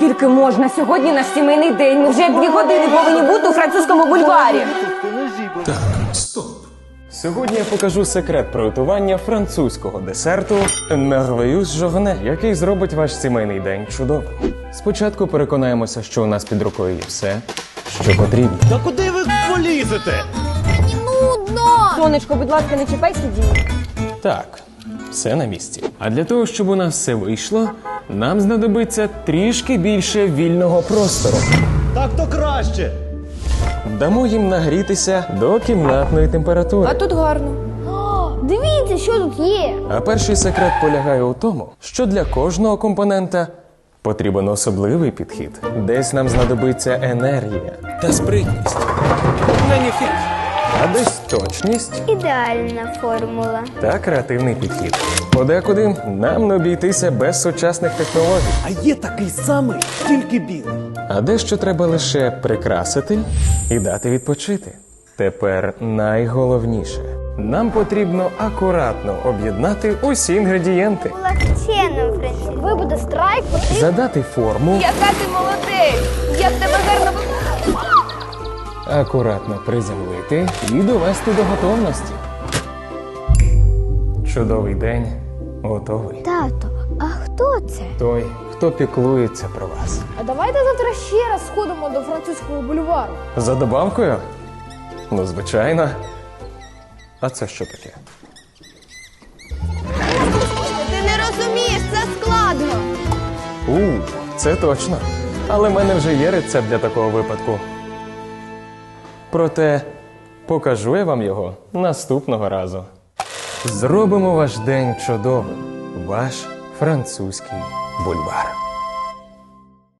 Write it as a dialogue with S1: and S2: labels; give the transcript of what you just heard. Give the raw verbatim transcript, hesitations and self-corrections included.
S1: Скільки можна? Сьогодні наш сімейний день. Ми вже дві години повинні бути у французькому бульварі.
S2: Так, стоп.
S3: Сьогодні я покажу секрет приготування французького десерту Merveilleuse Journée, який зробить ваш сімейний день чудовим. Спочатку переконаємося, що у нас під рукою є все, що потрібно.
S4: Та куди ви полізете?
S1: Сонечко, будь ласка, не чіпай сидіння.
S3: Так, все на місці. А для того, щоб у нас все вийшло, нам знадобиться трішки більше вільного простору.
S4: Так то краще.
S3: Дамо їм нагрітися до кімнатної температури.
S1: А тут гарно.
S5: Дивіться, що тут є.
S3: А перший секрет полягає у тому, що для кожного компонента потрібен особливий підхід. Десь нам знадобиться енергія
S2: Та спритність. Маніфік.
S3: а десь точність
S5: Ідеальна формула.
S3: та креативний підхід. Подекуди нам не обійтися без сучасних технологій.
S4: А є такий самий, тільки білий.
S3: А дещо треба лише прикрасити і дати відпочити. Тепер найголовніше. Нам потрібно акуратно об'єднати усі інгредієнти,
S5: Легче, Френсі. Ви буде страйк, потрібно.
S3: задати форму,
S1: Яка ти молодець! Як тебе гарно ви...
S3: акуратно приземлити і довести до готовності. Чудовий день готовий.
S5: Тато, а хто це?
S3: Той, хто піклується про вас.
S6: А давайте завтра ще раз сходимо до французького бульвару.
S3: За добавкою? Ну, звичайно. А це що таке?
S1: Ти не розумієш, це складно.
S3: У, це точно. Але в мене вже є рецепт для такого випадку. Проте покажу я вам його наступного разу. Зробимо ваш день чудовим. Ваш французький бульвар.